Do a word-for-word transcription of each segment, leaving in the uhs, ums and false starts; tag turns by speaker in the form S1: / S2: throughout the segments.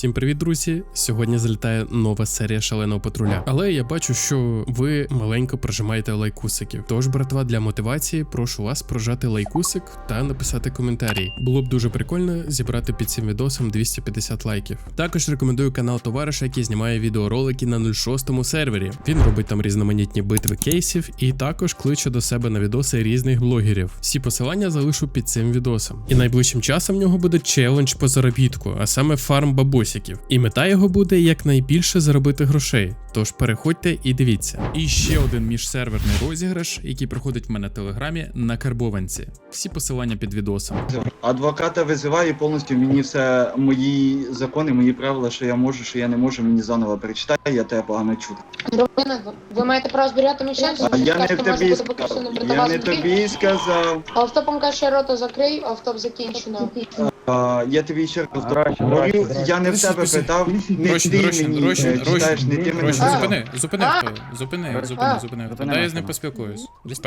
S1: Всім привіт, друзі! Сьогодні залітає нова серія шаленого патруля. Але я бачу, що ви маленько прожимаєте лайкусиків. Тож, братва, для мотивації прошу вас прожати лайкусик та написати коментарі. Було б дуже прикольно зібрати під цим відосом двісті п'ятдесят лайків. Також рекомендую канал товариша, який знімає відеоролики на нуль шостому сервері. Він робить там різноманітні битви кейсів і також кличе до себе на відоси різних блогерів. Всі посилання залишу під цим відосом. І найближчим часом в нього буде челендж по заробітку, а саме фарм бабусиків. І мета його буде якнайбільше заробити грошей. Тож переходьте і дивіться. І ще один міжсерверний розіграш, який проходить в мене в телеграмі на Карбованці. Всі посилання під відосом.
S2: Адвоката визиваю повністю мені все, мої закони, мої правила, що я можу, що я не можу, мені заново перечитай, я тебе погано чути.
S3: Романа, ви маєте право збирати мечем?
S2: А я не тобі сказав, я не тобі сказав.
S3: Автопом каже, рота закрий, автоп закінчено.
S2: А, я тобі ще раз говорю, я не в тебе питав, не ти мені е, читаєш, не ти мене
S1: Зупини,
S2: сказав.
S1: зупини хто, зупини, зупини, зупини хто. Дай я з ним поспілкуюсь.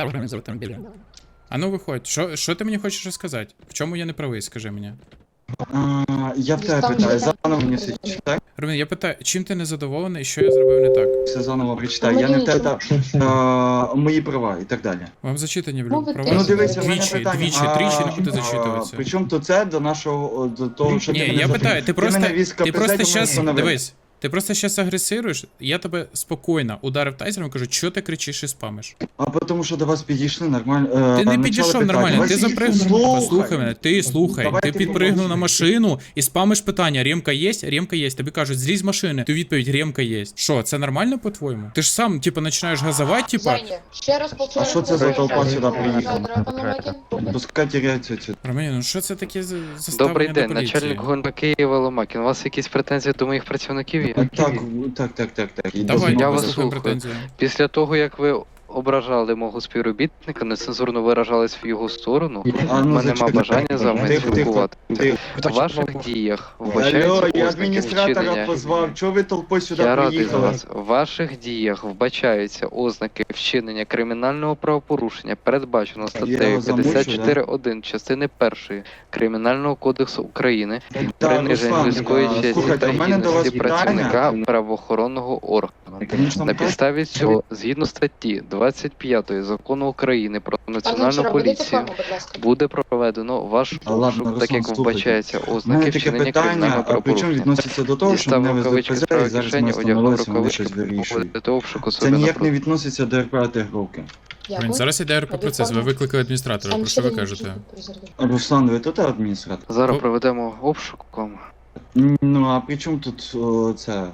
S1: А ну виходь, що, що ти мені хочеш розказати? В чому я не правий, скажи мені.
S2: А, я в тебе питаю, заново мені все читай,
S1: Ромін, я питаю, чим ти не задоволений і що я зробив не так?
S2: все заново прочитай, я не в тебе питав а, мої права і так далі.
S1: Вам зачитані в
S3: Ну,
S1: любі
S3: ви
S1: права?
S3: теж
S2: Ну дивися, в мене
S1: Двічі,
S2: питання.
S1: двічі,
S2: а,
S1: тричі не буде
S2: а,
S1: зачитуватися.
S2: Причому то це до нашого, до того, що ти
S1: Ні,
S2: мене
S1: я
S2: запитав.
S1: питаю, ти просто,
S2: мене віз
S1: ти
S2: КПЗ,
S1: просто
S2: до мене
S1: щас,
S2: встановив.
S1: дивись, ти просто щас агресируєш, я тебе спокійно ударив тайзером і кажу, що ти кричиш і спамиш?
S2: А тому що до вас підійшли нормально.
S1: Ти не
S2: почали
S1: підійшов
S2: питати.
S1: нормально,
S2: Вас
S1: ти
S2: їх
S1: запригнув,
S2: слухай.
S1: послухай мене, ти слухай,
S2: Давайте
S1: ти підпригнув на
S2: помовчи.
S1: машину і спамиш питання, ремка є? Ремка є. Тобі кажуть, злізь з машини, ти відповідь, ремка є. Що, це нормально по-твоєму? Ти ж сам, типу, починаєш газувати, типу,
S3: Женя, ще раз повторюю.
S2: А що це за толпа сюди приїхала?
S3: приїхала?
S2: Пускай теряються ці.
S1: Ромео, ну що це таке за заставлення
S4: Добрий
S1: до
S4: день,
S1: поліції?
S4: начальник ГУНП Києва Ломакін. У вас якісь претензії до моїх працівників є?
S2: Так, так, так, так, так. І
S1: Давай,
S2: дозволь.
S4: Я
S1: я
S4: вас
S1: слухаю
S4: слухаю.
S1: претензії.
S4: Після того, як ви ображали мого співробітника, нецензурно виражались в його сторону,
S2: А,
S4: в
S2: ну,
S4: мене нема
S2: зачекай.
S4: бажання з вами
S2: Тихо, тихо,
S4: спілкувати.
S2: тихо.
S4: В ваших діях
S2: Алло,
S4: вбачаються
S2: я
S4: ознаки
S2: адміністратора
S4: вчинення.
S2: позвав, чого ви толпою сюди
S4: Я радий за
S2: приїхали?
S4: вас. В ваших діях вбачаються ознаки вчинення кримінального правопорушення, передбачено статтею
S2: вас замучу,
S4: п'ятдесят чотири один частини першої Кримінального кодексу України,
S2: Так,
S4: приниження
S2: Руслан,
S4: людської
S2: а,
S4: честі
S2: слухайте,
S4: та
S2: у мене до вас
S4: гідності
S2: питання.
S4: працівника правоохоронного органу.
S2: Конечно,
S4: На
S2: так.
S4: підставі цього, згідно статті двадцять п'ятої Закону України про національну
S3: Вчора будете
S4: поліцію,
S3: форму, будь ласка?
S4: буде проведено ваш
S2: А, ладно,
S4: обшук, так
S2: Руслан,
S4: як
S2: слухайте.
S4: вбачаються
S2: У
S4: ознаки
S2: мене таке
S4: вчинення
S2: питання,
S4: кримінального
S2: а причому
S4: правопорушення.
S2: відноситься до того, що
S4: Дістав
S2: мене
S4: рукавички
S2: везуть
S4: з
S2: ПЗ і
S4: правої
S2: зараз ми
S4: кишені, одягнув
S2: встановилися, вони
S4: рукавички,
S2: щось вирішують.
S4: проводити обшуку
S2: Це
S4: себе
S2: ніяк не
S4: напроти.
S2: відноситься до РПАТ групи.
S3: Дякую.
S1: Зараз іде РП процес, ви викликали адміністратора, про що ви кажете?
S2: Руслан, ви тут адміністратор?
S4: Зараз
S1: Ну.
S4: проведемо обшук вам.
S2: Ну, а при чому тут о, це?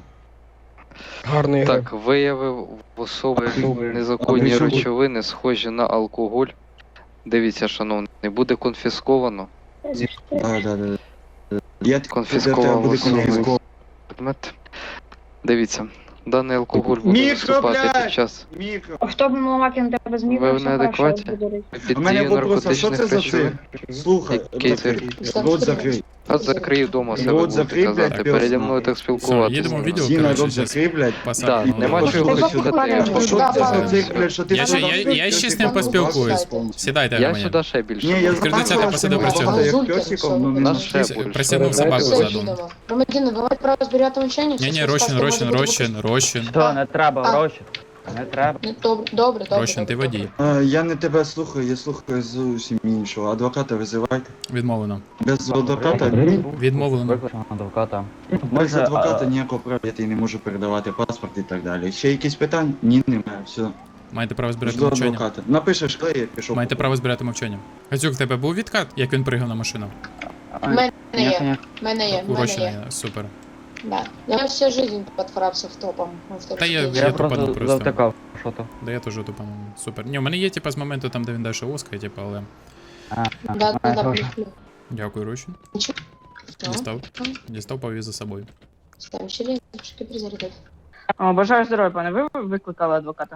S5: Гарний
S4: Так, виявив в особи незаконні
S2: А при чому-
S4: речовини, схожі на алкоголь. Дивіться, шановний, буде конфісковано
S2: Да, да, да. Я тобі
S4: Конфісковано
S2: буде
S4: особи.
S2: конфісковано.
S4: предмет. Дивіться, даний алкоголь буде
S2: Мікро,
S4: виступати
S2: блядь!
S4: під час
S2: Мікро.
S6: А хто б Ломакін тебе зміг?
S4: Ви в неадекваті?
S2: У мене
S4: під дією
S2: вопрос, а що це
S4: наркотичних
S2: за
S4: речовин.
S2: цирк? Слухай,
S4: Який
S2: закрий. Рот закрий.
S4: А закрию дома себе
S2: Рот
S4: будете
S2: закрий, блядь,
S4: казати.
S2: пес,
S4: Переді
S2: нахуй.
S4: мною так
S1: Все,
S4: спілкуватися.
S1: їдемо в відео,
S2: Зіна,
S1: коротше,
S2: рот
S1: зараз
S2: закрий, блядь.
S1: посадимо.
S4: Так, нема
S2: Ну,
S4: чого
S2: що
S4: слухати.
S2: А
S4: Я
S2: що це за цирк, блядь, що ти
S1: Я ще-
S2: сюди
S1: я-
S2: прийшов,
S1: я ще
S2: ти
S1: з ним
S2: там
S1: поспілкуюсь.
S2: повністю.
S1: Сідайте,
S4: Я
S1: Ромео.
S4: сюди ще більше.
S2: Ні, я
S4: буду.
S1: Відкрити
S2: знаю,
S1: це,
S2: що
S1: посади
S2: ти
S1: працювати.
S2: мав, як
S3: Зулька,
S2: пьосиком, ну, не
S4: Наш
S2: на-
S4: шеф
S1: Ти
S4: більше.
S1: присягнув собаку заду.
S3: Громадяни, ви маєте право збирати мовчання?
S1: Ні, ні, Рощин, Рощин, Рощин, Рощин.
S7: Що, не треба,
S3: А.
S7: гроші. Не треба.
S3: Ну, Добре, добре, добре.
S1: Рощин, ти
S3: добре,
S1: водій.
S2: А, Я не тебе слухаю, я слухаю зовсім іншого. Адвоката визивайте.
S1: Відмовлено.
S2: Без адвоката,
S1: Відмовлено.
S7: Викликаємо адвоката.
S2: без
S7: Може,
S2: адвоката
S7: а-
S2: ніякого права я тобі не можу передавати паспорт і так далі. Ще якісь питання? Ні, немає, все.
S1: Маєте право збирати
S2: Жду
S1: мовчання.
S2: адвоката. Напишеш, коли я пішов.
S1: Маєте право збирати мовчання. Гацюк, в тебе був відкат, як він пригав на машину?
S3: В мене
S7: Ні,
S3: є,
S7: ні.
S3: в мене є, в
S1: У
S3: мене
S1: Рощина
S3: є.
S1: є, супер.
S3: Да. Я всю жизнь подфорався в топом.
S1: Та я-
S7: Я
S1: тупану
S7: просто
S1: просто.
S7: завтикав, що то.
S1: Да я теж тупану. Супер. Ні, у мене є типа з моменту там, де він далі оскає, типа, але.
S7: А, а,
S3: Да, да, да,
S7: а,
S3: плюс, плюс.
S1: Дякую, Рощин.
S3: Нічого.
S1: Дістав. Дістав, повіз за собою.
S3: Ставим ще лінчики призарядив.
S6: О, бажаю здоров'я, пане. Ви викликали адвоката?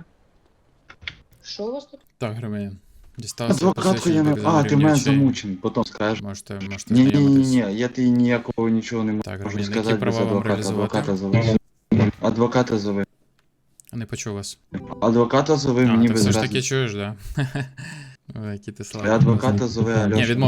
S3: Що у вас тут?
S1: Так, Громадян. Дістав.
S2: Адвокатку я не... А, ти мене замучений, потім скажеш.
S1: Можете, можете
S2: Ні, ні, ні,
S1: знайомитись.
S2: ні, я тобі ніякого нічого не
S1: Так,
S2: можу
S1: Громадян, які
S2: сказати без
S1: права вам
S2: адвоката.
S1: реалізувати?
S2: Адвоката зови. Адвоката зови.
S1: Не почув вас.
S2: Адвоката зови
S1: А,
S2: мені
S1: ти
S2: без
S1: все ж
S2: разниці.
S1: таки чуєш, да? Ой, які ти слабкий.
S2: Адвоката зови,
S1: Ні,
S2: Альоша.
S1: відмовлено.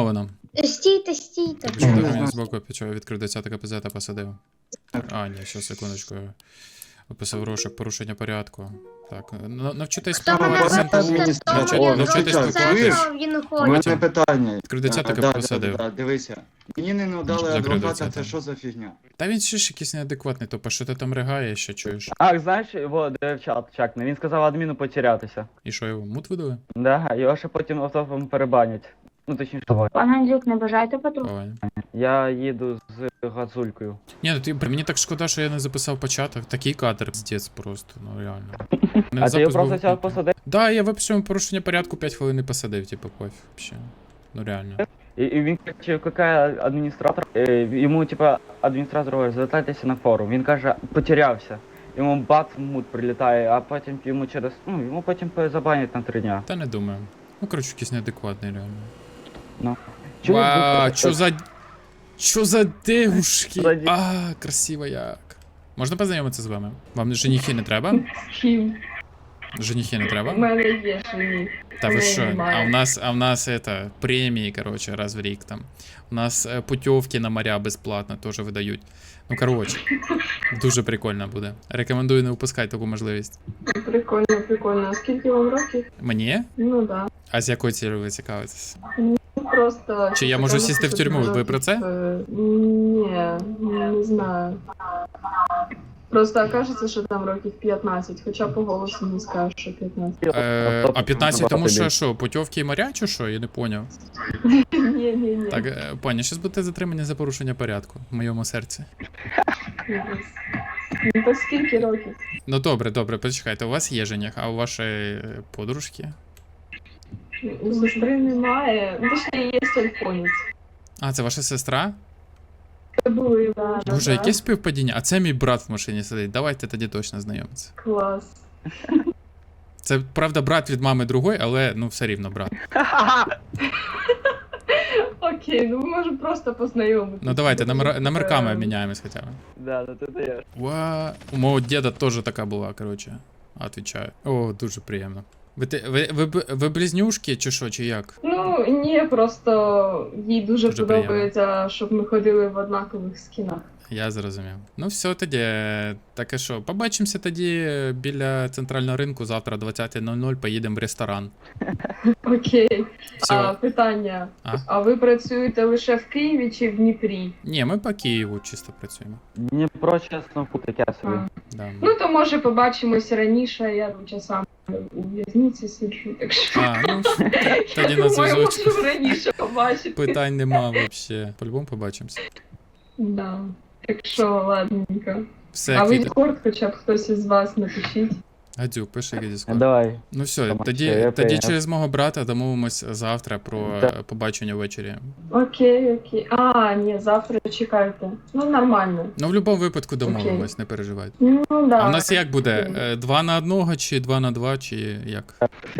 S3: Стійте, стійте.
S1: Так, що
S2: не
S1: до
S2: знаю.
S1: мене збоку почав відкрив десять КПЗ та посадив. А, ні, ще секундочку. Описав розшук порушення порядку. Так, на- навчитись
S3: Хто мене
S1: спілкуватися.
S2: Адміністратор,
S3: запустить,
S2: о,
S3: то
S1: навчитись
S3: він
S1: спілкуватись.
S3: це, він
S2: У
S3: хоче.
S2: мене питання.
S1: Відкрив десяток,
S2: А, да,
S1: посадив.
S2: да, да, дивися. Мені не надали
S1: Закрив
S2: адвоката,
S1: десяток.
S2: це що за фігня?
S1: Та він ще ж якийсь неадекватний, топа, що ти там ригаєш, ще чуєш?
S7: А, знаєш, його де в чат чакне, він сказав адміну потерятися.
S1: І що його мут видали?
S7: Да, його ще потім автопом перебанять. Ну точніше,
S6: Пане Андрюк, не бажаєте патруль?
S1: Ой.
S7: я їду з газулькою.
S1: Ні, ну ти бля, мені так шкода, що я не записав початок. Такий кадр піздець просто, ну реально. Мене
S7: А ти його
S1: запис
S7: просто
S1: був-
S7: взяв посадив?
S1: Да, я виписав йому порушення порядку п'ять хвилин і посадив, типу, пофіг, вообще. Ну реально.
S7: І, і він каже, какая адміністратор, е, йому типа адміністратор говорить, звертайтеся на форум. Він каже, потерявся. Йому бац мут прилітає, а потім йому через, ну, йому потім забанять на три дня.
S1: Та не думаю. Ну, коротше, якийсь неадекватний, реально.
S7: Ну. Чуєш,
S1: Вау,
S7: ви-
S1: чо за... Чо за девушки?
S7: За ді-
S1: А, красиво як. Можна познайомитися з вами? Вам женихи не треба?
S8: Чим?
S1: Женихи не треба?
S8: У мене є жених.
S1: Та ви
S8: мене
S1: що?
S8: немає.
S1: А в нас, а в нас это, премії, короче, раз в рік там. У нас е, путівки на моря безплатно теж видають. Ну, короче, дуже прикольно буде. Рекомендую не упускати таку можливість.
S8: Прикольно, прикольно. А скільки вам років?
S1: Мені?
S8: Ну да.
S1: А з якою цілею ви цікавитесь?
S8: Ну просто.
S1: Чи я можу сісти в тюрму? Ви про це?
S8: Е, Ні, не знаю. Просто кажеться, що там років п'ятнадцять, хоча по голосу не скажеш, що п'ятнадцять.
S1: Е, а п'ятнадцять, тому що
S7: Тобі.
S1: що, путівки і моря чи що? Я не поняв.
S8: Ні, ні, ні.
S1: Так, е, пані, щас будете затримані за порушення порядку в моєму серці.
S8: Ну то скільки років?
S1: Ну добре, добре, почекайте, у вас є жених, а у вашої е, подружки?
S8: У сестри немає. Ну точно є телефонець.
S1: А, це ваша сестра?
S8: Це були, да. да,
S1: Боже,
S8: да.
S1: яке співпадіння? А це мій брат в машині сидить. Давайте тоді точно знайомитися.
S8: Клас.
S1: Це, правда, брат від мами другої, але ну все рівно брат.
S8: Окей, ну ми можемо просто познайомитися.
S1: Ну давайте, номер, номерками
S8: Е,
S1: обміняємось хоча б.
S7: Да, да, ти даєш.
S1: Ва, у мого діда теж така була, коротше. Отвічаю. О, дуже приємно. Ви, те- ви, ви, б- ви близнюшки чи що, чи як?
S8: Ну, ні, просто їй дуже,
S1: Дуже
S8: подобається, щоб ми ходили в однакових скінах.
S1: Я зрозумів. Ну все тоді. Таке що, побачимося тоді біля центрального ринку завтра о двадцята нуль нуль поїдемо в ресторан.
S8: Окей.
S1: Все.
S8: А, питання.
S1: А?
S8: А ви працюєте лише в Києві чи в Дніпрі?
S1: Ні, ми по Києву чисто працюємо.
S7: Дніпро, чесно, фу, таке собі.
S8: А.
S1: Да.
S8: Ну, то може побачимось раніше, я там часами у в'язниці сиджу, так що
S1: А, ну тоді
S8: я
S1: на
S8: думаю,
S1: зв'язочку.
S8: можу раніше побачити.
S1: Питань нема вообще. По-любому побачимося.
S8: Да. Так що, ладненько.
S1: Все,
S8: А ви
S1: квіти.
S8: Діскорд, хоча б хтось із вас напишіть.
S1: Гадюк, пиши Діскорд.
S7: Давай.
S1: Ну все,
S7: Там
S1: тоді,
S7: ще я
S1: тоді
S7: прийняв.
S1: через мого брата домовимось завтра про
S7: Да.
S1: е, побачення ввечері.
S8: Окей, окей. А, ні, завтра чекайте. Ну, нормально.
S1: Ну, в будь-якому випадку домовимось, не переживайте.
S8: Ну, да.
S1: А в нас як буде?
S8: Окей.
S1: Е, Два на одного, чи два на два, чи як?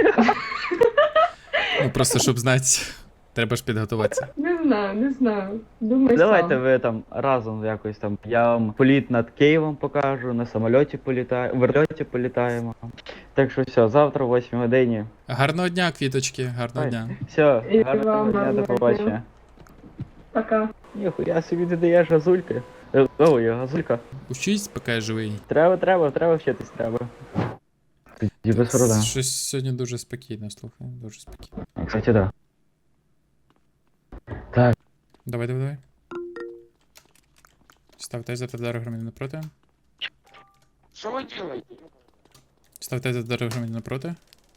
S1: Ну просто щоб знати, треба ж підготуватися.
S8: Не знаю, не знаю. Думаю,
S7: Давайте
S8: сам.
S7: ви там разом якось там. Я вам політ над Києвом покажу, на самольоті політаємо, в вертольоті політаємо. Так що все, завтра о восьмій годині.
S1: Гарного дня, квіточки, гарного
S7: Ой.
S1: дня.
S7: Все,
S8: І
S7: гарного
S8: вам
S7: дня,
S8: гарного
S7: до побачення.
S8: дня. Пока.
S7: Ніхуя собі ти даєш газульки. Е, О, я газулька.
S1: Учись, поки я живий.
S7: Треба, треба, треба вчитись, треба. Тоді без рода.
S1: Щось сьогодні дуже спокійно, слухай, дуже спокійно.
S7: Кстати, да. Так,
S1: Давай, давай, давай. Став тайзер та вдарив громадянина напроти.
S9: Что вы делаете?
S1: Став тайзер та вдарив громадянина напроти.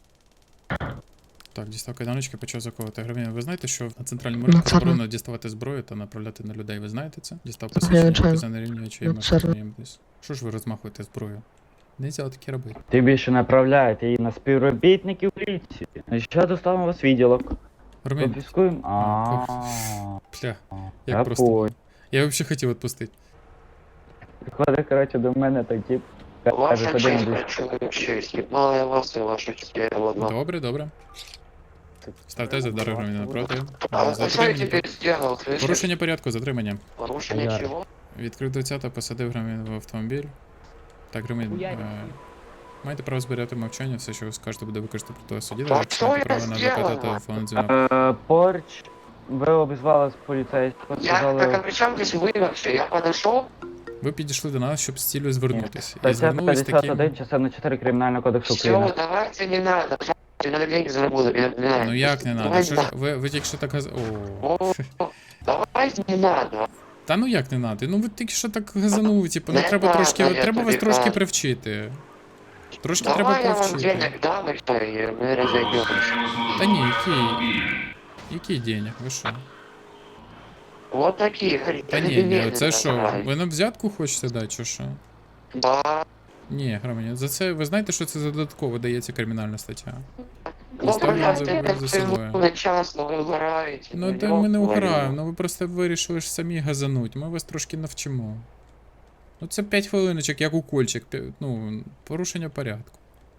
S1: Так, дістав кайданочки, почав заковувати громадянина. Ви знаєте, що на центральному ринку заборонено діставати зброю та направляти на людей. Ви знаєте це? Дістав посвідчення, це на рівні очей. Що ж ви розмахуєте зброю? Нельзя таке робити.
S7: ти більше направляєте її на співробітників поліції. Що доставимо вас в відділок?
S1: Громадянин,
S7: Конфіскуємо?
S1: А,
S7: Ааа.
S1: бля,
S7: Я
S1: як просто.
S7: понял.
S1: Я взагалі хотів відпустити.
S7: Приходить, коротше, до мене так тип. Каже,
S9: Ваша
S7: ходи
S9: честь,
S7: на
S9: человек честь. Ебала я вас и вашу честь. Я его одна.
S1: Добре, добре. Ставте за вдарив громадянина напроти.
S9: А вы что я
S1: Затримання.
S9: теперь сделал, слышишь?
S1: Порушення порядку, затримання.
S9: Порушение
S7: Я-
S9: чего?
S1: Відкрив двадцята, посадив громадянина в автомобіль. Так, громадянин,
S7: Хуярь.
S1: е, маєте право зберігати мовчання, все, що ви скажете, буде використано проти вас у суді.
S9: Та
S1: Також
S9: що
S1: маєте
S9: я
S1: право на адвоката
S9: зробила?
S1: та телефонний дзвінок.
S7: Е, Поруч ви обізвали з поліцейського,
S9: Я, как
S7: сказали...
S9: при чем здесь вы вообще? Я подошел,
S1: Ви підійшли до нас, щоб з цілею звернутися. І
S7: Стаття
S1: звернулись
S7: п'ятдесят
S1: таким.
S7: один, частина чотири Кримінального кодексу
S9: все,
S7: України.
S9: давайте не надо, не надо деньги заработать, не не надо.
S1: Ну як не надо?
S9: Давайте
S1: Що ж, ви, ви тільки що так газ... О.
S9: О, давайте не надо.
S1: Та ну як не надо? Ну ви тільки що так газанули, типу, ну
S9: Не
S1: треба
S9: надо,
S1: трошки,
S9: я
S1: треба вас
S9: тобі
S1: трошки
S9: кажу.
S1: привчити. Трошки треба
S9: Давай я вам
S1: привчити.
S9: денег дам и все, и мы разойдемся.
S1: Та ні, який. Який денег? Ви що?
S9: Вот такие, говорит.
S1: Та ні, ні, це що? Ви нам взятку хочете дати, чи що?
S9: Да.
S1: Ні, громадян, за це ви знаєте, що це за додатково дається кримінальна стаття?
S9: Ну,
S1: Оставлю
S9: блядь,
S1: за-
S9: это
S1: за
S9: все
S1: собою.
S9: на частно вы угораете.
S1: Ну та ми не угораємо, ну ви просто вирішили ж самі газануть, ми вас трошки навчимо. Ну це п'ять хвилиночок, як укольчик, п'я- ну, порушення порядку.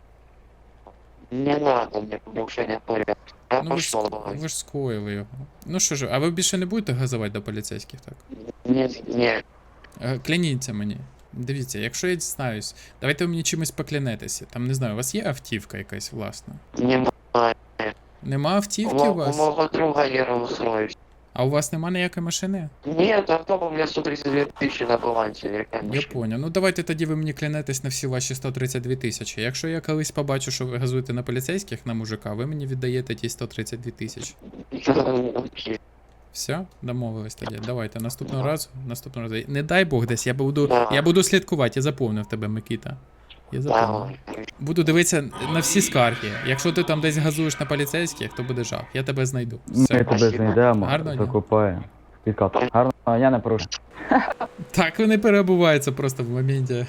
S9: Не надо мне нарушения порядка. Я
S1: Ну ви ж,
S9: пошел,
S1: ск-
S9: давай.
S1: ви ж скоїли його. Ну що ж, а ви більше не будете газувати до поліцейських, так?
S9: Нет, нет.
S1: Е, Кляніться мені. Дивіться, якщо я дізнаюсь, давайте ви мені чимось поклянетеся. Там, не знаю, у вас є автівка якась власна?
S9: Не
S1: Нема автівки
S9: у
S1: у
S9: мо- у
S1: вас?
S9: моего друга я устроюсь.
S1: А у вас нема ніякої машини?
S9: Нет, авто у меня сто тридцать две тысячи на балансе. Я,
S1: Я
S9: конечно.
S1: поняв. Ну давайте тоді ви мені клянетесь на всі ваші сто тридцять дві тисячі. Якщо я колись побачу, що ви газуєте на поліцейських, на мужика, ви мені віддаєте ті сто тридцять дві тисячі.
S9: Окей.
S1: Все, домовились тоді. Давайте наступного разу. Наступного разу. Не дай Бог десь, я буду.
S9: Да.
S1: Я буду слідкувати, я заповнив тебе, Микита. Я заповнив.
S9: Давай.
S1: Буду дивитися на всі скарги. Якщо ти там десь газуєш на поліцейських, то буде жах. Я тебе знайду.
S7: Ми
S1: Все.
S7: тебе знайдемо,
S1: Гарного дня.
S7: закупаємо. Підкат. Гарного дня, не порушуй.
S1: Так вони перебуваються просто в моменті.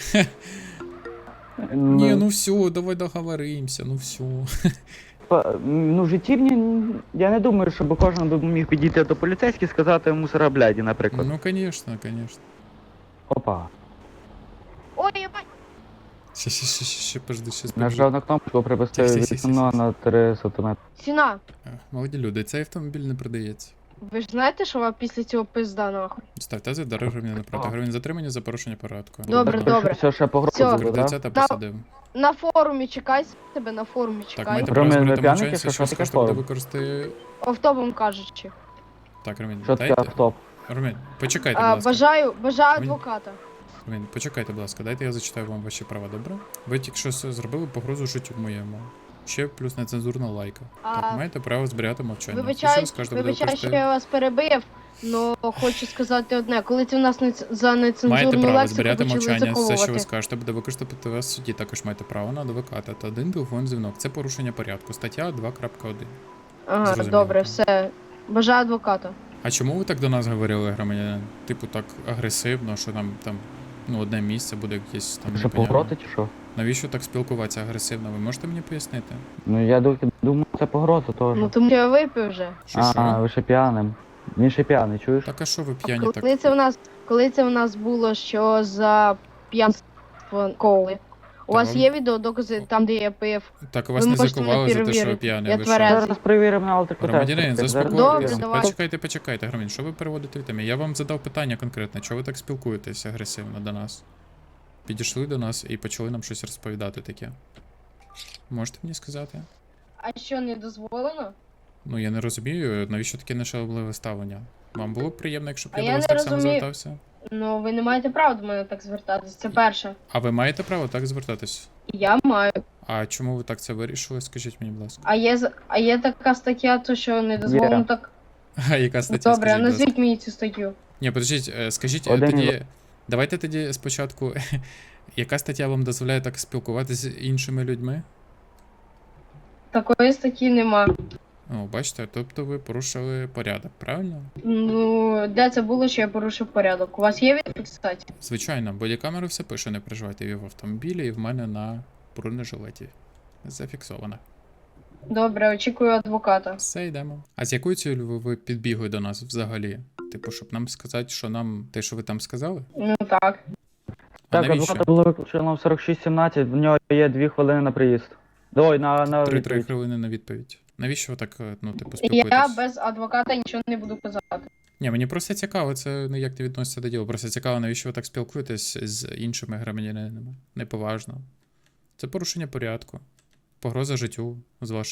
S1: Ні, ну все, давай договоримося, ну все.
S7: Па- Ну, в житті мені, я не думаю, щоб кожен би міг підійти до поліцейських і сказати мусора бляді, наприклад.
S1: Ну, звісно, звісно.
S7: Опа.
S3: Ой, ебать!
S1: Ще, ще, ще, ще, ще, подожди, ще подожди.
S7: Нажав на кнопку, привести
S1: Тих, тих, тих,
S7: вікно
S1: тих.
S7: на три сантиметри.
S3: Ціна,
S1: Е, Молоді люди, цей автомобіль не продається.
S3: ви ж знаєте, що вам після цього пизда нахуй?
S1: Ставте за дорогу гривень напроти. Гривень затримання за порушення порядку.
S3: Добре, добре.
S7: Все, ще погрозу
S3: Всьо.
S7: буде, да?
S1: тридцята посадив.
S3: На форумі чекай себе, на форумі
S1: Так,
S3: чекай.
S1: маєте
S7: Ромен,
S1: право
S7: ви
S1: зберігати
S7: п'яники,
S1: мовчанця,
S7: що
S1: що
S7: таке
S1: скажете, буде
S7: форум?
S1: використати...
S3: Автопом кажучи.
S1: Так, Ромін,
S7: Що таке
S1: дайте.
S7: автоп?
S1: Ромін, почекайте, будь
S3: А,
S1: ласка.
S3: бажаю, бажаю
S1: Мені-
S3: адвоката.
S1: Ромін, почекайте, будь ласка, дайте я зачитаю вам ваші права, добре? Ви тільки що с- зробили погрозу життю моєму. Ще плюс нецензурна лайка.
S3: А,
S1: Так, маєте право зберігати мовчання.
S3: Вибачаю,
S1: Все, що скажете, буде
S3: вибачаю, що
S1: використати.
S3: я вас перебив, але хочу сказати одне. Коли ти в нас не ц- за
S1: Маєте
S3: нецензурну
S1: право
S3: лексику
S1: зберігати
S3: почали
S1: мовчання, все, що ви
S3: заколувати.
S1: скажете, буде використати вас в суді. Також маєте право на адвоката та один телефон дзвінок. Це порушення порядку. Стаття два крапка один.
S3: Ага,
S1: Зрозуміло.
S3: добре, все. Бажаю адвоката.
S1: А чому ви так до нас говорили, громадянин? Типу так агресивно, що нам там ну, одне місце буде якесь там.
S7: Що
S1: непонятне.
S7: погрози чи що?
S1: Навіщо так спілкуватися агресивно? Ви можете мені пояснити?
S7: Ну я ду- думаю, це погроза теж.
S3: Ну тому що я випив вже.
S1: Що
S7: А,
S1: що?
S7: ви ще п'яним. Він ще п'яний, чуєш?
S1: Так а що ви п'яні
S3: Коли
S1: так?
S3: це в нас, коли це в нас було, що за п'янство коли? У
S1: Та
S3: вас
S1: вам-
S3: є відеодокази там, де я пив?
S1: Так вас
S3: ви
S1: не
S3: можете
S1: закували за те, що ви
S3: перевірити.
S1: п'яні.
S3: Я
S1: ви
S3: тверезий.
S1: що?
S7: Зараз перевіримо на алкотестер.
S1: Громадянин,
S7: Зараз
S1: заспокойтесь.
S3: Добре, давай.
S1: Почекайте, почекайте, громадянин, що ви переводите від теми? Я вам задав питання конкретне, чого ви так спілкуєтесь агресивно до нас? Підійшли до нас і почали нам щось розповідати таке. Можете мені сказати?
S3: А що, не дозволено?
S1: Ну я не розумію, навіщо таке нешалобливе ставлення? Вам було б приємно, якщо б
S3: А
S1: я
S3: я
S1: до вас
S3: не
S1: так само
S3: розумію.
S1: звертався?
S3: Ну, ви не маєте права до мене так звертатись. Це перше.
S1: А ви маєте право так звертатись?
S3: Я маю.
S1: А чому ви так це вирішили? Скажіть мені, будь ласка.
S3: А є, з- а є така стаття, то що не дозволено
S7: Є.
S3: так.
S1: А яка стаття?
S3: Добре, а
S1: скажіть, будь ласка?
S3: назвіть мені цю статтю.
S1: Ні, подождіть, е, скажіть е,
S7: Один
S1: тоді.
S7: із-
S1: Давайте тоді спочатку. Яка стаття вам дозволяє так спілкуватися з іншими людьми?
S3: Такої статті нема.
S1: О, бачите, тобто ви порушили порядок, правильно?
S3: Ну, де це було, що я порушив порядок? У вас є відповідь, кстати?
S1: Звичайно, бодікамера все пише, не переживайте, і в автомобілі, і в мене на бронежилеті. Зафіксовано.
S3: Добре, очікую адвоката.
S1: Все, йдемо. А з якою цілею ви, ви підбігли до нас взагалі? Типу, щоб нам сказати, що нам те, що ви там сказали?
S3: Ну так.
S1: А
S7: Так,
S1: навіщо?
S7: адвоката було виключено в сорок шість сімнадцять, в нього є дві хвилини на приїзд. Ой, на, на
S1: Три-три
S7: відповідь.
S1: хвилини на відповідь. Навіщо ви так, е, ну, типу,
S3: Я
S1: спілкуєтесь?
S3: без адвоката нічого не буду казати.
S1: Ні, мені просто цікаво, це ніяк не відноситься до діла. Просто цікаво, навіщо ви так спілкуєтесь з іншими громадянинами. Неповажно. Це порушення порядку. Погроза життю з ваших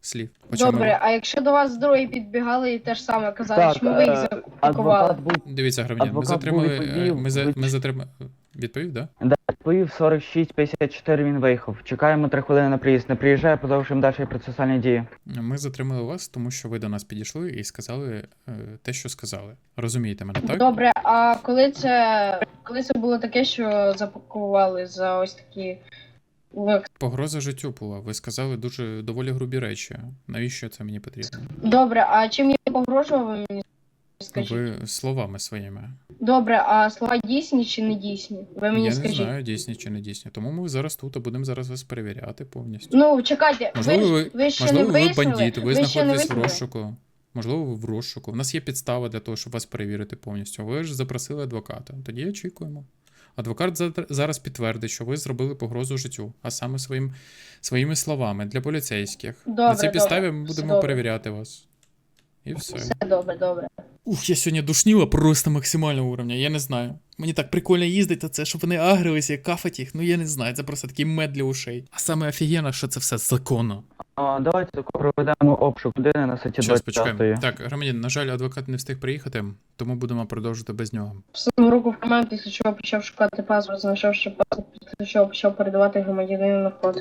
S1: слів. По чому
S3: Добре, а якщо до вас другі підбігали і те ж саме казали,
S7: Так,
S3: чому ви їх
S7: е,
S3: запакували?
S7: адвокат був
S1: ви- Дивіться, громадян, ми
S7: адвокат
S1: затримали.
S7: був
S1: е,
S7: відповів,
S1: Ми, за,
S7: ви-
S1: ми затримали. Відповів, да?
S7: відповів сорок шість п'ятдесят чотири, він виїхав. Чекаємо три хвилини на приїзд. Не приїжджає, продовжуємо далі процесуальні дії.
S1: Ми затримали вас, тому що ви до нас підійшли і сказали е, те, що сказали. Розумієте мене, так?
S3: Добре, а коли це коли це було таке, що запакували за ось такі ви-
S1: Погроза життю була. Ви сказали дуже доволі грубі речі. Навіщо це мені потрібно?
S3: Добре, а чим я погрожував, ви мені скажіть?
S1: Ви словами своїми.
S3: Добре, а слова дійсні чи не дійсні? Ви мені
S1: Я не
S3: скажіть.
S1: знаю, дійсні чи не дійсні. Тому ми зараз тут, а будемо зараз вас перевіряти повністю.
S3: Ну, чекайте,
S1: Можливо,
S3: ви,
S1: ви,
S3: ж- ви ще
S1: можливо,
S3: не
S1: ви
S3: вийшли?
S1: бандит, ви,
S3: ви ще не
S1: знаходитесь в
S3: вийшли?
S1: розшуку. Можливо, ви в розшуку. У нас є підстава для того, щоб вас перевірити повністю. Ви ж запросили адвоката. Тоді очікуємо. Адвокат за- зараз підтвердить, що ви зробили погрозу життю, а саме своїм, своїми словами для поліцейських.
S3: Добре,
S1: На цій підставі
S3: добре.
S1: ми
S3: Все
S1: будемо
S3: добре.
S1: перевіряти вас. І все.
S3: Все добре, добре.
S1: Ух, я сьогодні душніла просто максимального уровня, я не знаю. Мені так прикольно їздити, це, щоб вони агрилися, кафать їх, ну я не знаю, це просто такий мед для ушей. А саме офігенно, що це все законно.
S7: А, давайте проведемо обшук людини на статті
S1: Зараз
S7: двадцять
S1: почекаємо.
S7: п'ять.
S1: Так, громадян, на жаль, адвокат не встиг приїхати, тому будемо продовжити без нього.
S3: Всунув руку в карман, після чого почав шукати паспорт, знайшов ще паспорт, після чого почав передавати громадянину на вход.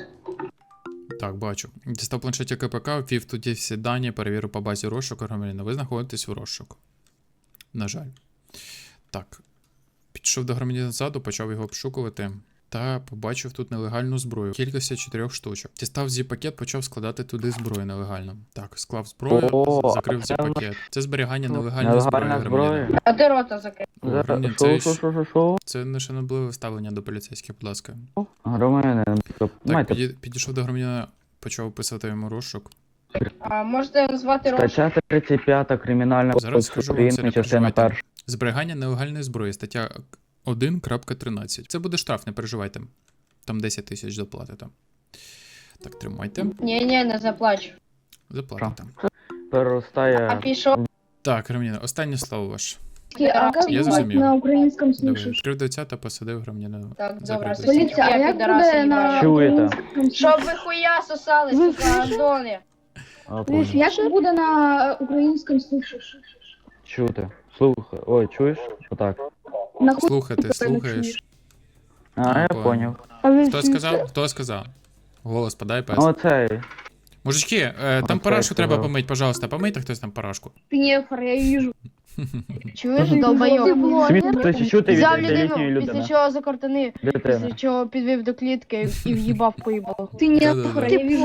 S1: Так, бачу. Дістав планшеті КПК, ввів тоді всі дані, перевірив по базі розшуку громадянина. Ви знаходитесь в розшуку. На жаль. Так. Підійшов до громадянина ззаду, почав його обшукувати. Та побачив тут нелегальну зброю. Кількості чотирьох штучок. Дістав зі-пакет, почав складати туди зброю нелегально. Так, склав зброю,
S7: О,
S1: закрив
S7: а це
S1: зі-пакет. Це зберігання нелегальної зброї
S7: Нелегальна
S1: громадянина.
S7: зброя.
S3: А ти рота закрив.
S1: О, громадянин,
S7: Що,
S1: це,
S7: що,
S1: ж-
S7: що, що, що?
S1: це нешанобливе ставлення до поліцейських, будь ласка.
S7: Громадянин,
S1: Так,
S7: майте
S1: піді- підійшов до громадянина, почав описати йому розшук.
S3: А можете назвати рота?
S7: стаття тридцять п'ять Кримінального
S1: Зараз
S7: кодексу
S1: скажу вам, це
S7: України,
S1: не
S7: частина
S1: переживайте.
S7: перша.
S1: Зберігання нелегальної зброї, стаття один крапка тринадцять. Це буде штраф, не переживайте. Там десять тисяч заплатите. Так, тримайте.
S3: Ні, ні, не заплачу.
S1: Заплатите.
S3: А
S7: Переростає.
S3: пішов.
S1: Так, Роміна, останнє слово ваше.
S3: А як
S1: Я зрозумів.
S10: на українському
S1: Добре.
S10: слышу?
S1: Відкрив дитя та посадив громадянина.
S3: Так,
S1: за
S3: добре,
S1: кредит.
S10: Поліція, а як буде на
S7: Чуєте?
S10: українському
S3: Щоб
S10: слышу?
S3: ви хуя сосали,
S10: Ви
S3: сука, Андони.
S7: А,
S10: Слышь,
S7: понял.
S10: як буде на українському слышиш?
S7: Чути. Слухай. Ой, чуєш? Отак.
S10: На хуй
S1: Слухати,
S10: ти
S1: слухаєш.
S7: А, я
S1: понял.
S7: поняв.
S10: А ви
S1: Хто сказав? Хто сказав? Голос подай, пес.
S7: Оцей.
S1: Мужички, е, там
S7: Оце
S1: парашку треба
S7: сказав.
S1: помить, пожалуйста, помийте хтось там парашку.
S10: Пнєфор, я вижу.
S3: Чуєш,
S10: Ти
S3: долбайок?
S10: блогер?
S7: Світ чути від
S3: Взяв
S7: літньої
S3: людину,
S7: людини.
S3: після чого закортани,
S7: Дитина.
S3: після чого підвів до клітки і в'їбав по їбалу.
S10: Ти
S1: Да-да-да.
S10: нехор, я вижу.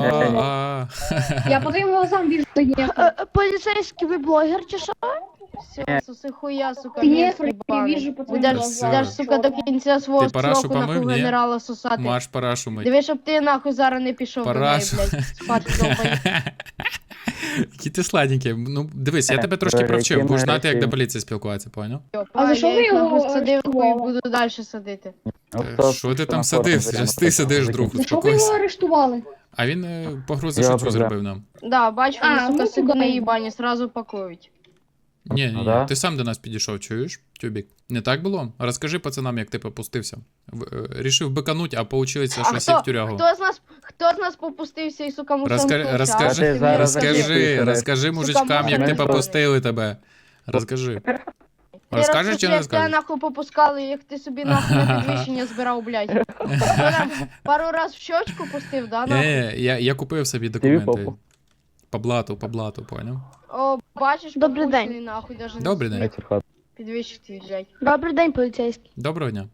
S1: А, а.
S10: Я по твоим глазам вижу, ты нехор.
S3: Поліцейський ви блогер чи що? Все, суси хуя, сука,
S10: Ти
S3: мєс
S10: нехор, я
S3: їбаний.
S10: вижу по твоим
S3: Будеш,
S10: глазам.
S3: будеш, сука, до кінця свого
S1: Ти парашу
S3: строку
S1: помив,
S3: нахуй
S1: ні?
S3: генерала сосати.
S1: Маш парашу мить.
S3: Диви, щоб ти нахуй зараз не пішов до неї,
S1: Парашу.
S3: блядь, спати довбай.
S1: Які ти сладенький. Ну, дивись, я
S7: Е,
S1: тебе трошки
S7: про
S1: провчив,
S7: які
S1: будеш знати, як
S7: мережі?
S1: до поліції спілкуватися, поняв?
S10: А за що ви його
S3: нахуй садив і
S10: арештували?
S3: буду далі садити.
S1: Е, Що ти там садив? Зараз ти сидиш, друг,
S10: За що ви його
S1: успокойся.
S10: арештували?
S1: А він е, погрози
S7: Я
S1: життю
S7: проблем.
S1: зробив нам.
S3: Да, бачу, вони,
S10: А,
S3: сука,
S10: ну,
S3: сидуни
S10: туди.
S3: їбані, сразу пакують.
S1: Ні, ні,
S7: Ну
S1: ні,
S7: да.
S1: ти сам до нас підійшов, чуєш, Тюбік? Не так було? Розкажи пацанам, як ти попустився. В- е, Рішив бикануть, а получилося, що
S3: А
S1: сів в
S3: хто,
S1: тюрягу.
S3: хто з нас, хто з нас попустився і, сука, мусив
S1: Розкажи,
S3: вкусити, а?
S1: розкажи,
S7: Ти зараз
S1: розкажи,
S7: закріпуєш,
S1: розкажи мужичкам, як ти
S3: мужик.
S1: попустили тебе. Розкажи.
S3: Ти
S1: Розкажеш чи не
S3: розкажи, як тебе
S1: розкажеш?
S3: нахуй попускали, як ти собі нахуй на підвищення збирав, блядь. Хто нам пару раз в щочку пустив, да, нахуй?
S1: Ні, я, я купив собі
S7: Тобі
S1: документи.
S7: попу.
S1: По блату, по блату, поняв?
S3: О, бачиш,
S10: Добрий день.
S3: попущений, нахуй, даже
S1: Добрий день.
S7: Вечір хат.
S3: підвищити, блядь.
S10: Добрий день, поліцейський.
S1: Доброго дня.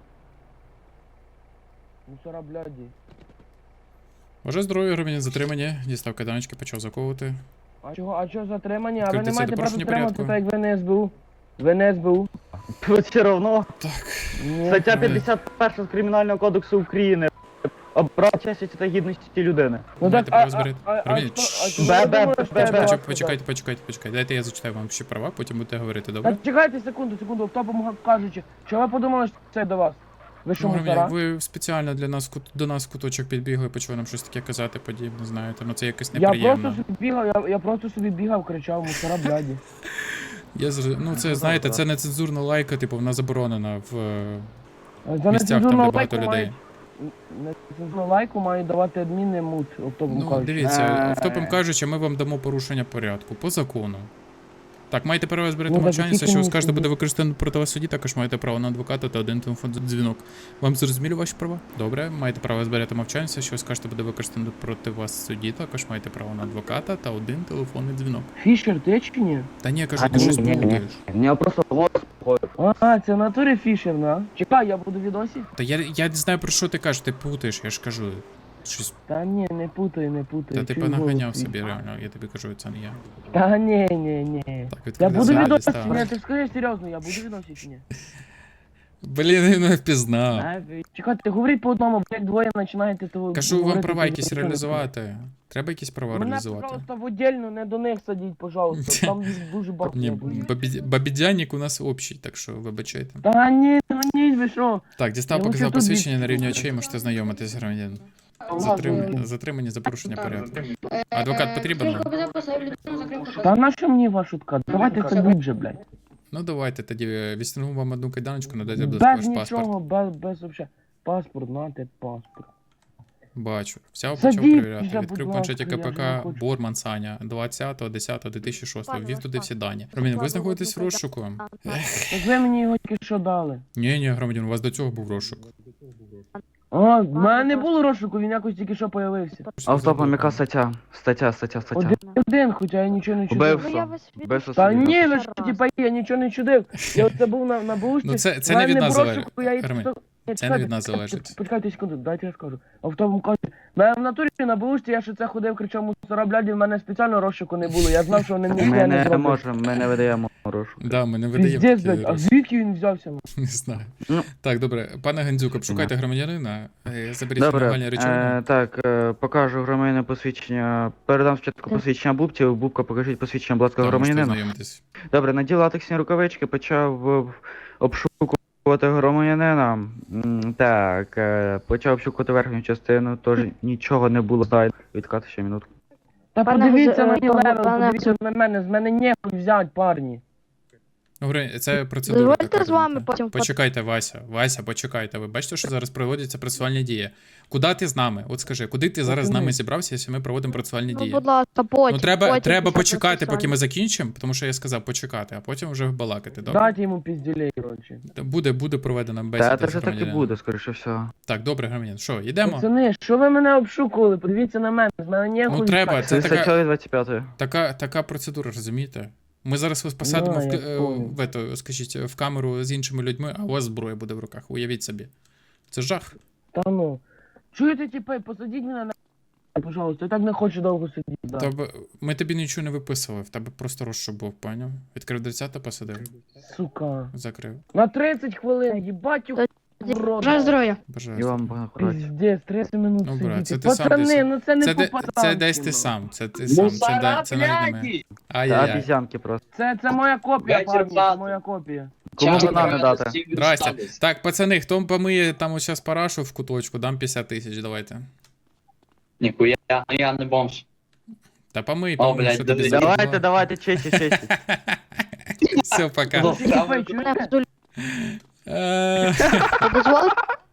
S7: Мусора, бляді.
S1: Ваше здоров'я, громадян затримані, дістав кайданочки, почав заковувати.
S11: А чого, а чого затримані? А ви
S1: Відкрите
S11: не
S1: це
S11: маєте
S1: до
S11: права
S1: порушення
S11: затримати,
S1: порядку.
S11: так як ви не СБУ. Ви не СБУ.
S7: Все равно.
S1: Так.
S11: Ні.
S7: Стаття п'ятдесят перша з Кримінального кодексу України. Обрав честі та гідності людини.
S11: Ну
S1: Маєте
S11: так, а,
S1: право зберегти.
S11: а, а,
S1: Ромін,
S11: а,
S1: шш.
S11: а чого
S7: Бе-
S11: ви
S7: бе-
S11: думаєте, що
S7: бе-
S11: я
S7: бе-
S11: до вас
S1: Почекайте,
S11: туди?
S1: почекайте, почекайте, почекайте. Дайте я зачитаю вам всі права, потім будете говорити,
S11: Та
S1: добре?
S11: чекайте секунду, секунду, хто помагав кажучи. Чого ви подумали, що це до вас? Ви що,
S1: Ну,
S11: мусора?
S1: Громадян, ви спеціально для нас кут- до нас в куточок підбігли, почали нам щось таке казати, подібне, знаєте. Ну це якось
S11: Я
S1: неприємно.
S11: просто собі бігав, я, я просто собі бігав, кричав, мусора, бляді.
S1: Я зр- Ну це, знаєте, це не цензурна лайка, типу, вона заборонена в е,
S11: За
S1: місцях, там, де
S11: нецензурну
S1: багато
S11: лайку
S1: людей.
S11: мають- нецензурну лайку мають давати адміни мут, оптовим
S12: Ну,
S11: кажучи.
S12: дивіться,
S7: Е.
S12: автопом кажучи, ми вам дамо порушення порядку по закону. Так, маєте право зберегти
S11: Ну,
S12: мовчання,
S11: так,
S12: все, що ви
S11: тільки
S12: скажете,
S11: мені
S12: буде використано проти вас в суді, також маєте право на адвоката та один телефон дзвінок. Вам зрозуміли ваші права? Добре, маєте право зберегти мовчання, все, що ви скажете, буде використано проти вас в суді, також маєте право на адвоката та один телефонний дзвінок.
S11: Фішер, ти чи ні?
S12: Та ні, я кажу,
S7: А,
S12: ти щось
S7: ні, ні, ні.
S12: плутаєш.
S7: У нього просто голос ходить.
S11: А, це в натурі Фішер, да? Чекай, я буду в відосі?
S12: Та я, я не знаю, про що ти кажеш, ти путаєш, я ж кажу. Щось.
S11: Та ні, не путай, не путай.
S12: Та ти
S11: чую
S12: понаганяв
S11: голос
S12: собі,
S11: твій.
S12: реально, я тобі кажу, це не я.
S11: Та ні, ні, ні.
S12: Так,
S11: Я
S12: відкрити
S11: буду в
S12: залі,
S11: відосі,
S12: став.
S11: ні, ти скажи серйозно, я буду в відосі чи ні?
S12: Блін, він не впізнав.
S7: А,
S11: Чекайте, говоріть по одному, блядь, двоє починаєте того.
S12: Кажу, вам
S11: говорити,
S12: права
S11: то
S12: якісь
S11: ніхто не
S12: реалізувати. Треба якісь права
S11: Мене,
S12: реалізувати.
S11: пожалуйста, в отдельну, не до них садіть, пожалуйста. Там дуже багато.
S12: Ні,
S11: буде.
S12: бабі- бабідяник у нас общий, так що вибачайте.
S11: Та ні, та ні, ви що?
S12: Так, дістав,
S11: Я
S12: показав
S11: лучше тут
S12: посвідчення на
S11: від-
S12: рівні очей, можете знайомитись, громадянин. Затрим... Затримані за порушення порядку. Адвокат потрібен?
S11: Та на що мені ваша шутка? Давайте це вже, блядь.
S12: Ну давайте тоді відстягну вам одну кайданочку, надайте, будь ласка,
S11: Без
S12: ваш паспорт.
S11: нічого, без, без вообще. Паспорт, нате паспорт.
S12: Бачу. Взяв,
S11: Садіть
S12: почав перевіряти.
S11: вже,
S12: Відкрив
S11: будь
S12: планшеті
S11: ласка, я
S12: КПК
S11: вже не хочу.
S12: Борман Саня, двадцятого десятого дві тисячі шостого.
S3: Пане,
S12: Ввів
S3: ваш
S12: туди всі
S3: паспорт.
S12: дані. Ромін, ви
S3: Покладу
S12: знаходитесь в
S3: одну
S12: розшуку?
S3: кайданку.
S11: Так ви мені його тільки що дали.
S12: Ні, ні, громадян, у вас до цього був розшук.
S11: А, в мене не було розшуку, він якось тільки що появився.
S7: Автопом яка стаття? Стаття, стаття, стаття.
S11: Один, один, хоча я нічого не чудив.
S7: Убив.
S3: Ну я вас від...
S7: Без
S11: Та
S7: осуди.
S11: ні, ви
S3: Ще
S11: що,
S3: раз.
S11: типа, я нічого не чудив. Я оце був на, на бушці.
S12: Ну це, це
S11: в
S12: не
S11: мене
S12: від нас
S11: був
S12: залежить.
S11: розшук, я їй
S12: Ромін,
S11: просто- Ні,
S12: це не
S11: чекайте,
S12: від нас
S11: чекайте,
S12: залежить.
S11: Почекайте секунду, дайте я скажу. Автопом каже, мене в натурі на бушці, я ще це ходив, кричав мусора, блядь, в мене спеціально розшуку не було. Я знав, що вони мені
S7: Ми
S11: не
S7: не
S11: зроблять.
S7: можемо, ми не видаємо розшук.
S12: Да, ми не видаємо
S11: Піздець,
S12: такі
S11: блядь, а
S12: розшуки.
S11: звідки він взявся?
S12: Не знаю.
S7: Ну.
S12: Так, добре. Пане Гандзюк, обшукайте громадянина. е, Заберіть
S7: Добре,
S12: нормальні речовини.
S7: е, так, е, покажу громадянину посвідчення. Передам спочатку посвідчення Бубці, Бубка покажіть посвідчення, будь ласка,
S12: Там можете
S7: громадянину.
S12: знайомитись.
S7: Добре, надів латексні рукавички, почав е, обшукувати громадянина. М, Так, е, почав обшукувати верхню частину, тож нічого не було. Дай відкати ще минутку.
S11: Та
S3: Пане
S11: подивіться
S3: Гз-
S11: на
S3: е,
S11: мій левел,
S3: пане
S11: подивіться на мене, з мене нехуй взять, парні.
S12: Добре, це процедура.
S3: Дозвольте
S12: така,
S3: з вами
S12: розумієте?
S3: потім фото-
S12: Почекайте, Вася. Вася, почекайте. Ви бачите, що зараз проводяться процесуальні дії. Куди ти з нами? От скажи, куди ти зараз з нами зібрався, якщо ми проводимо процесуальні
S3: Ну,
S12: дії?
S3: будь ласка, потім.
S12: Ну треба,
S3: потім
S12: треба
S3: після
S12: почекати, поки ми
S3: процесуального.
S12: закінчимо, тому що я сказав почекати, а потім вже балакати. Добре?
S11: Дайте йому пізділей, коротше.
S12: Буде, буде проведена бесіда.
S7: Та це
S12: з
S7: вже так і
S12: громадянином.
S7: буде, скоріше всього.
S12: Так, добре, громадян. Що, йдемо?
S11: Пацани, що ви мене обшукували? Подивіться на мене, з мене нехуй
S12: Ну треба,
S11: взять.
S12: це
S7: Це
S12: така,
S7: стаття двадцять п'ятої.
S12: така, така процедура, розумієте? Ми зараз вас посадимо
S11: Ну,
S12: в,
S11: я
S12: к- е,
S11: понял.
S12: в, ето, скажіть, в камеру з іншими людьми, а у вас зброя буде в руках. Уявіть собі. Це жах.
S11: Та ну. Чуєте, типа, посадіть мене на... Пожалуйста, я так не хочу довго сидіти. Да.
S12: Тебе, ми тобі нічого не виписували, в тебе просто розшук був, поняв? Відкрив дверцята, посадив,
S11: Сука.
S12: закрив.
S11: На тридцять хвилин, їбать у
S3: Бажаю
S11: рода.
S3: здоров'я.
S7: І
S12: Бажаю.
S7: вам багато праці.
S11: Піздець, тридцять минут
S12: Ну, брат, це
S11: сидіти.
S12: ти сам
S11: Пацани,
S12: десь-
S11: ну це не
S12: Це, де,
S11: по-пацанськи,
S12: це десь ти
S11: ну.
S12: сам, це ти сам, це, де, це навіть не ми.
S7: Та
S12: Ай-яй-яй.
S7: обізянки просто.
S11: Це, це моя копія, парні, це моя копія.
S7: Кому банани дати?
S12: Здрасте. Так, пацани, хто помиє там ось зараз парашу в куточку, дам п'ятдесят тисяч, давайте.
S9: Ніхуя, я не бомж.
S12: Та помий,
S9: О,
S12: помий,
S9: блядь,
S12: що тобі
S9: давай.
S12: за-
S7: Давайте, давайте, честі, честі.
S12: Все, пока.
S9: Ну,
S11: Ти, типа,
S3: Мене
S11: чуєте?
S3: в Зулі-
S12: Е,
S3: Ви дозволите?